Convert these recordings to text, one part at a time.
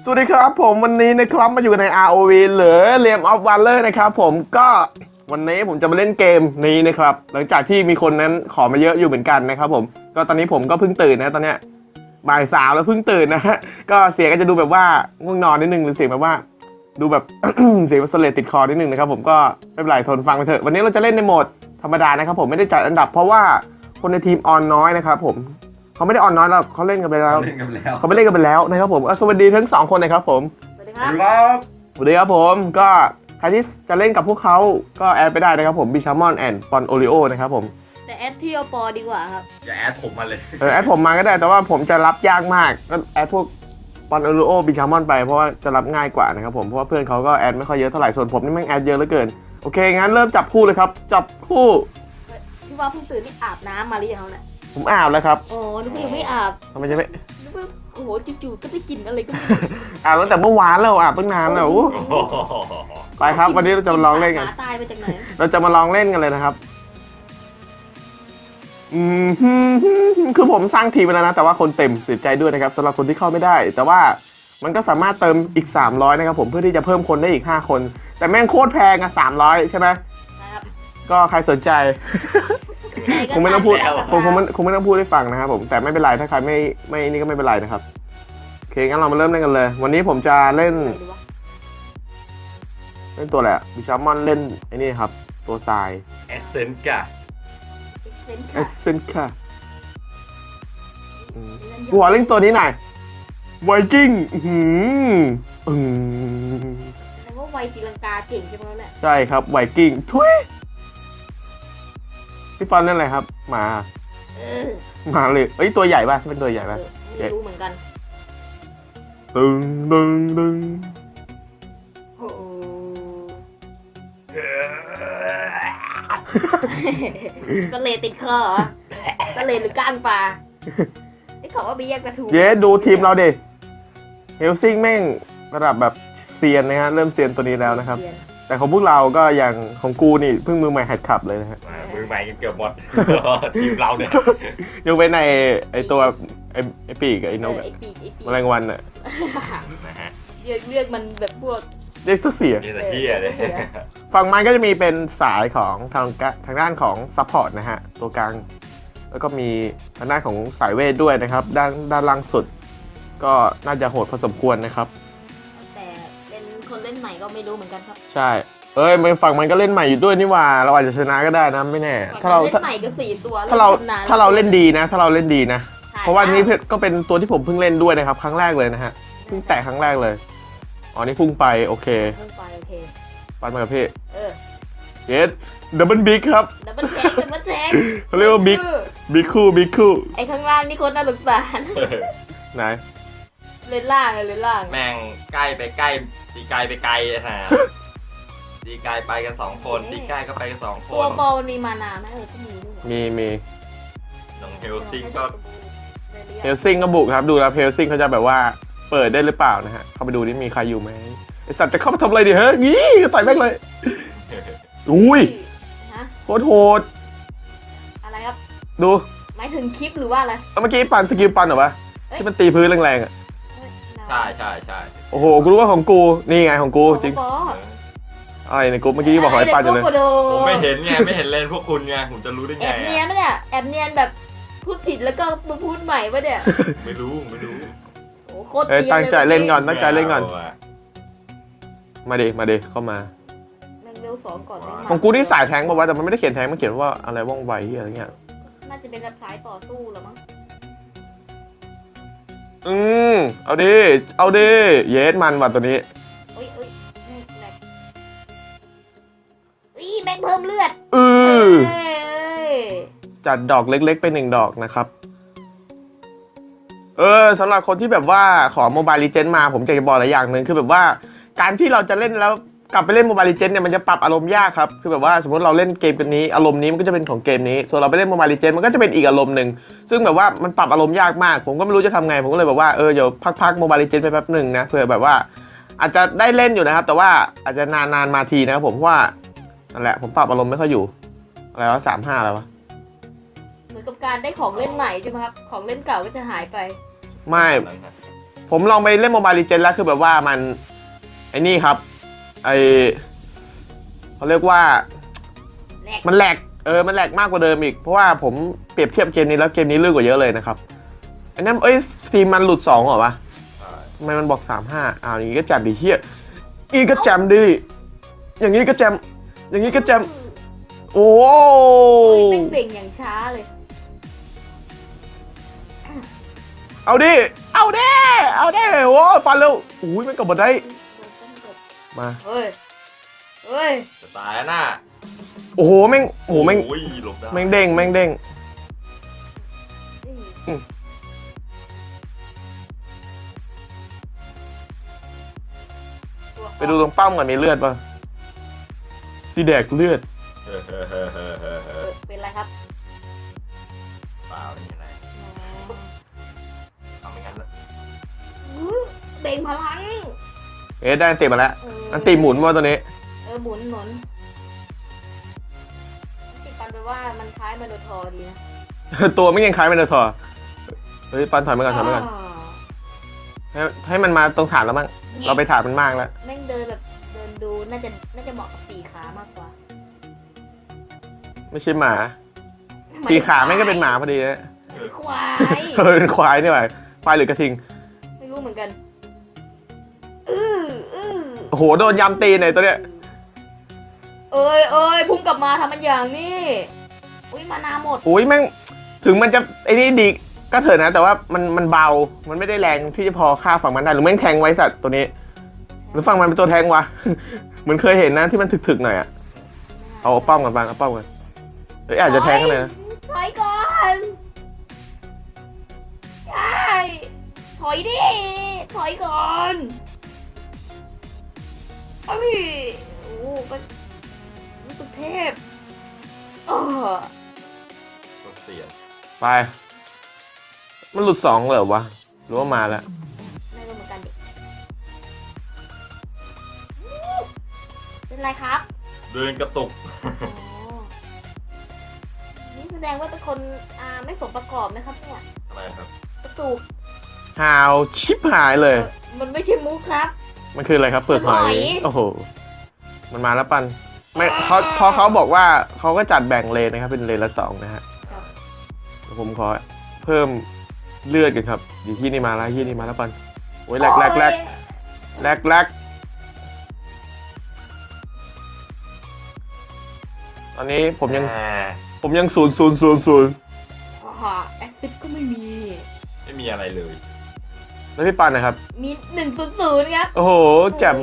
สวัสดีครับผมวันนี้นะครับมาอยู่ใน ROV หรือ Realm of Wonder นะครับผมก็วันนี้ผมจะมาเล่นเกมนี้นะครับหลังจากที่มีคนนั้นขอมาเยอะอยู่เหมือนกันนะครับผมก็ตอนนี้ผมก็เพิ่งตื่นนะตอนเนี้ยบ่าย3แล้วเพิ่งตื่นนะฮะก็เสียงก็จะดูแบบว่าง่วงนอนนิดนึงหรือเสียงแบบว่าดูแบบ เสียงสเลดติดคอนิดนึงนะครับผมก็ไม่เป็นไรทนฟังไปเถอะวันนี้เราจะเล่นในโหมดธรรมดานะครับผมไม่ได้จัดอันดับเพราะว่าคนในทีมออนน้อยนะครับผมเขาไม่ได้ออนน้อยแล้วเขาเล่นกันไปแล้วเขาไม่เล่นกันไปแล้วนะครับผมสวัสดีทั้ง2คนนะครับผมสวัสดีครับสวัสดีครับผมก็ใครที่จะเล่นกับพวกเขาก็แอดไปได้นะครับผมบิชามอนแอนด์ปอนโอริโอนะครับผมแต่แอดที่โอปอดีกว่าครับอย่าแอดผมมาเลยแอดผมมาก็ได้แต่ว่าผมจะรับยากมากก็แอดพวกปอนโอริโอบิชามอนไปเพราะว่าจะรับง่ายกว่านะครับผมเพราะว่าเพื่อนเขาก็แอดไม่ค่อยเยอะเท่าไหร่ส่วนผมนี่แม่งแอดเยอะเหลือเกินโอเคงั้นเริ่มจับคู่เลยครับจับคู่ที่ว่าเพิ่งตื่นนี่อาบน้ำมาหรือยังเนี่ยผมอาบแล้วครับโอ้นึกว่ายังไม่อาบทำไมจะไม่นึกว่าโอ้โหจู่ๆก็ได้กลิ่นอะไรก็ไม่อาบตั้งแต่เมื่อวานแล้วอาบตั้งนานแล้วไปครับวันนี้เราจะมาลองเล่นกันหมาตายไปจากไหนเราจะมาลองเล่นกันเลยนะครับคือผมสร้างทีมไปแล้วนะแต่ว่าคนเต็มเสียใจด้วยนะครับสำหรับคนที่เข้าไม่ได้ แต่ว่ามันก็สามารถเติมอีก300นะครับผมเพื่อที่จะเพิ่มคนได้อีก5คนแต่แม่งโคตรแพงอะ300ใช่ไหมนะครับก็ใครสนใจ คงไม่ต้องพูดคงไม่ต้องพูดให้ฟังนะครับผมแต่ไม่เป็นไรถ้าใครไม่นี่ก็ไม่เป็นไรนะครับโอเคงั้นเรามาเริ่มเล่นกันเลย วันนี้ผมจะเล่นตัวอะไรอะบิชามอนเล่นไอ้นี่ครับตัวทรายเอเซนกะเอสเซนค่ะกูขอเล่นตัวนี้หน่อยไวกิ้งแต่ว่าไวตีลังกาเก่งใช่ไหมเนี่ยใช่ครับไวกิ้งทุยพี่ปอนเล่นอะไรครับมาเลยเอ้ยตัวใหญ่ป่ะเป็นตัวใหญ่ป่ะไม่รู้เหมือนกันตึงโอ้สเลดติดคอเหรอสเลดหรือก้างปลาไอ้ขอว่าไปแยกกระทู้เย้ดูทีมเราดิเฮลซิงแม่งระดับแบบเซียนนะฮะเริ่มเซียนตัวนี้แล้วนะครับแต่ของพวกเราก็อย่างของกูนี่เพิ่งมือใหม่หัดขับเลยนะฮะมือใหม่กันเกือบหมด ทีมเราเนี่ยยกเว้นในไอตัวไอปีกไอนกไอ้ปีกแมลงวันอะนะฮะเรียกมันแบบพวกเรียกเสียนี่แต่เฮียเลยฝั่งมันก็จะมีเป็นสายของทางด้านของซัพพอร์ตนะฮะตัวกลางแล้วก็มีทางด้านของสายเวทด้วยนะครับด้านล่างสุด ก็น่าจะโหดพอสมควรนะครับแต่เป็นคนเล่นใหม่ก็ไม่รู้เหมือนกันครับใช่ฝั่งมันก็เล่นใหม่อยู่ด้วยนี่หว่าเราอาจจะชนะก็ได้นะไม่แน่ถ้าเราเล่นใหม่ก็4 ตัวถ้าเราเล่นดีนะถ้าเราเล่นดีนะเพราะว่านี้ก็เป็นตัวที่ผมเพิ่งเล่นด้วยนะครับครั้งแรกเลยนะฮะเพิ่งแตะครั้งแรกเลยอ๋อนี่พุ่งไปโอเคพุ่งไปโอเคปันมากับพี่เยสดับเบิลบิ๊กครับดับเบิลแทงเขาเรียกว่าบิ๊กคู่ไอ้ข้างล่างนี่คนน่าสงสารไหนเล่นล่างแม่งใกล้ไปใกล้ตีไกลไปไกลฮะตีไกลไปกัน2คนตีใกล้ก็ไปกัน2 คนตัวบอลมันมีมานาไหมก็มีด้วยมีน้องเฮลซิงก็บุกครับดูแล้วเฮลซิงเขาจะแบบว่าเปิดได้หรือเปล่านะฮะเข้าไปดูนี่มีใครอยู่ไหมไอสัตว์จะเข้ามาทำอะไรดิเฮ้ยงี้ต่อยแม่งเลยอุ้ยโคตรโหดอะไรครับดูหมายถึงคลิปหรือว่าอะไรเมื่อกี้ปั่นสกิลปั่นเหรอวะที่มันตีพื้นแรงๆอ่ะใช่โอ้โหกูรู้ว่าของกูนี่ไงของกูจริงอะไรในกูเมื่อกี้บอกขอให้ปั่นอยู่เลยผมไม่เห็นไงไม่เห็นเลนพวกคุณไงผมจะรู้ได้ไงแอบเนียนไหมเนี่ยแอบเนียนแบบพูดผิดแล้วก็มาพูดใหม่ปะเนี่ยไม่รู้โอ้โคตรดีเลยตั้งใจเล่นก่อนมาดิเข้ามาแมงเวล2ก่อนของกูนี่สายแทงบอกว่าแต่มันไม่ได้เขียนแทงมันเขียนว่าอะไรว่องไวอะไรเงี้ยน่าจะเป็นแบบสายต่อสู้หรอมั้งเอาดิเยสมันว่ะตัวนี้แม่งเพิ่มเลือดจัดดอกเล็กๆไป1 ดอกนะครับสำหรับคนที่แบบว่าขอโมบายลีเจนด์มาผมจะบอกอะไรอย่างหนึ่งคือแบบว่าการที่เราจะเล่นแล้วกลับไปเล่นโมบายลีเจนด์เนี่ยมันจะปรับอารมณ์ยากครับคือแบบว่าสมมติเราเล่นเกมกันนี้อารมณ์นี้มันก็จะเป็นของเกมนี้ส่วนเราไปเล่นโมบายลีเจนด์มันก็จะเป็นอีกอารมณ์หนึ่งซึ่งแบบว่ามันปรับอารมณ์ยากมากผมก็ไม่รู้จะทำไงผมก็เลยแบบว่าเดี๋ยวพักโมบายลีเจนด์ไปแป๊บหนึ่งนะเผื่อแบบว่าอาจจะได้เล่นอยู่นะครับแต่ว่าอาจจะนานมาทีนะครับผมว่านั่นแหละผมปรับอารมณ์ไม่ค่อยอยู่อะไรวะ35แล้ววะเหมือนกับการได้ของเล่นใหม่ใช่ไหมครับของเล่นเก่าก็จะหายไปไม่ผมลองไปเล่นโมบายลีเจนแล้วคือแบบว่ามันไอ้นี่ครับไอเขาเรียกว่าแรกมันแหลกมันแหลกมากกว่าเดิมอีกเพราะว่าผมเปรียบเทียบเกมนี้แล้วเกมนี้ลื่นกว่าเยอะเลยนะครับอันนั้นทีมมันหลุด2เหรอวะทำไมมันบอก35อย่างนี้ก็แจมดิเฮียอีก็แจมดิอย่างนี้ก็แจมอย่างนี้ก็แจมโอ้เป็นเบ่งอย่างช้าเลยเอาดิโอ้ฟันเร็วอุ้ยมันกลับมาได้มาเฮ้ย เฮ้ยจะตายแล้วน่ะโอ้โหแม่งโอ้โหแม่งโอ้ยหลบได้แม่งเด้งแม่งเด้งไปดูตรงเป้าก่อนมีเลือดป่ะสีแดกเลือดเป็นไรครับเปล่าไม่มีอะไรทำไม่งั้นเลยเบ่งพลังได้อันติมาแล้วอันติหมุนว่าตัวนี้หมุนติดปันไปว่ามันคล้ายมาโดทอดีนะตัวไม่ยังคล้ายมันเลยทอเฮ้ยปันถอยมาก่อนให้มันมาตรงฐานแล้วมั้งเราไปฐานมันมากแล้วแม่งเดินแบบเดินดูน่าจะเหมาะกับสี่ขามากกว่าไม่ใช่หมาสี่ขาแม่งก็เป็นหมาพอดีนะควายเป็นควายนี่หว่าควายหรือกระทิงไม่รู้เหมือนกันโอ้โหโดนยำตีนไหนตัวเนี้ยเอ้ยพุ่งกลับมาทำมันอย่างนี้อุ้ยมานาหมดอุ้ยแม่งถึงมันจะไอ้นี่ดีก็เถอะนะแต่ว่ามันเบามันไม่ได้แรงที่จะพอฆ่าฝั่งมันได้หรือแม่งแทงไว้สัตว์ตัวนี้หรือฝั่งมันเป็นตัวแทงวะ เหมือนเคยเห็นนะที่มันถึกๆหน่อยอะเอาป้อมกันบ้างเอาป้อมกันอาจจะแทงกันเลยนะถอยก่อนใช่ถอยดิถอยก่อนโอ้ก็รู้สึกเทพตัวเสียไปมันหลุด2เหรอวะหรือว่ามาแล้วไม่รู้เหมือนกันดิเป็นไรครับเดินกระตุกนี่แสดงว่าเป็นคนไม่สมประกอบนะครับเนี่ยอะไรครับกระตุกหาวชิบหายเลยมันไม่ใช่มุกครับมันคืออะไรครับเปลือกหอเปลือกหอย ยโอ้โหมันมาแล้วปันไม่พอเขาบอกว่าเขาก็จัดแบ่งเลนนะครับเป็นเลนละ2นะฮะเดี๋ยวผมขอเพิ่มเลือดกันครับดีที่นี่มาแล้วที่นี่มาแล้วปันโอ้ยแรกตอนนี้ผมยัง0 แอสซิดก็ไม่มีไม่มีอะไรเลยแล้วพี่ปันนะครับมี100ครับโอ้โหแจ่ม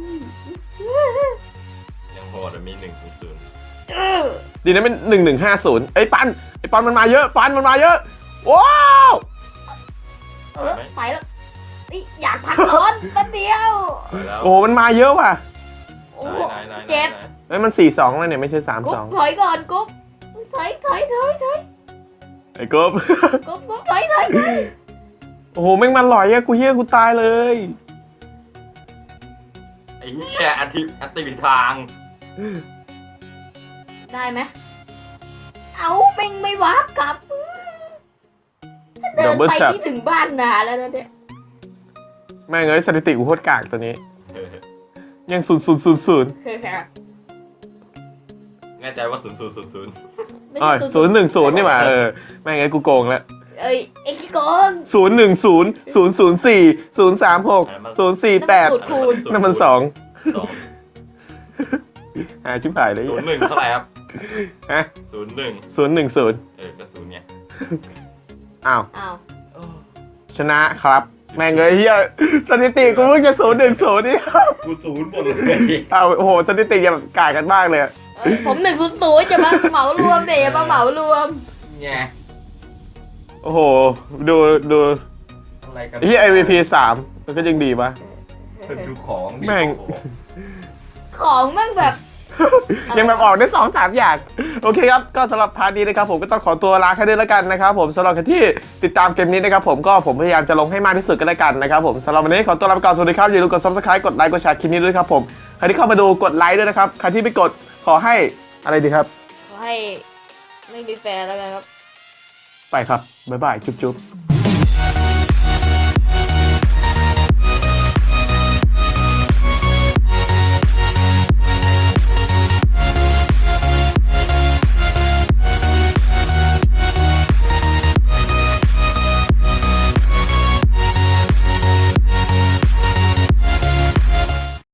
ยังโหดมี100 ดีนะเป็น1150ไอ้ปันมันมาเยอะปันมันมาเยอะว้าวไปแล้วอยากพักร้อนแป๊บเดียวโอ้มันมาเยอะว่ะโอ้เจ็บเฮ้ยมัน4-2แล้วเนี่ยไม่ใช่กุ๊บ 3-2 ถอยก่อนกุ๊บถอยไอ้กบกุ๊บถอยโอ้โหแม่งมันหลอยอะกูตายเลยไอ้เหี้ยอันติผิดทางได้ไหมเอาแม่งไม่วับกลับเดินไปที่ถึงบ้านนาแล้วนะเนี่ยแม่งเอ้ยสถิติกูโคตรกากตัวนี้ ยัง0 แน่ใจว่า0 0 0 ไม่อ๋อใช่ 010นี่หว่าแม่งเอ้ยกูโกงแล้วเอ้ยไอ้ขี้โกง 010 004 036 048นั่นมัน2 ชิบหายเลย 01เท่าไหร่ครับฮะ 01 010 ก็0เนี่ยอ้าวอ้าวชนะครับแม่งเอ้ยเฮียสถิติกูเพิ่งจะ010นี่กู0หมดเลยอ้าวโอ้โหสถิติยังกากกันมากเลยผม100จะมาเหมารวมเดี๋ยวมาเหมารวมไงโอ้โหดูอะไรกันที่ MVP 3มันก็ยังดีปะดูของดิแม่งของแม่งแบบยังแบบออกได้2-3 อย่างโอเคครับก็สำหรับพาร์ทนี้นะครับผมก็ต้องขอตัวลาแค่นี้แล้วกันนะครับผมสำหรับใครที่ติดตามเกมนี้นะครับผมพยายามจะลงให้มากที่สุดก็แล้วกันนะครับผมสำหรับวันนี้ขอตัวลาไปก่อนสวัสดีครับอย่าลืมกด Subscribe กดไลค์กดแชร์คลิปนี้ด้วยครับผมใครที่เข้ามาดูกดไลค์ด้วยนะครับใครที่ไม่กดขอให้อะไรดีครับขอให้ไม่มีแฟนแล้วกันครับไปครับบ๊ายบายจุ๊บ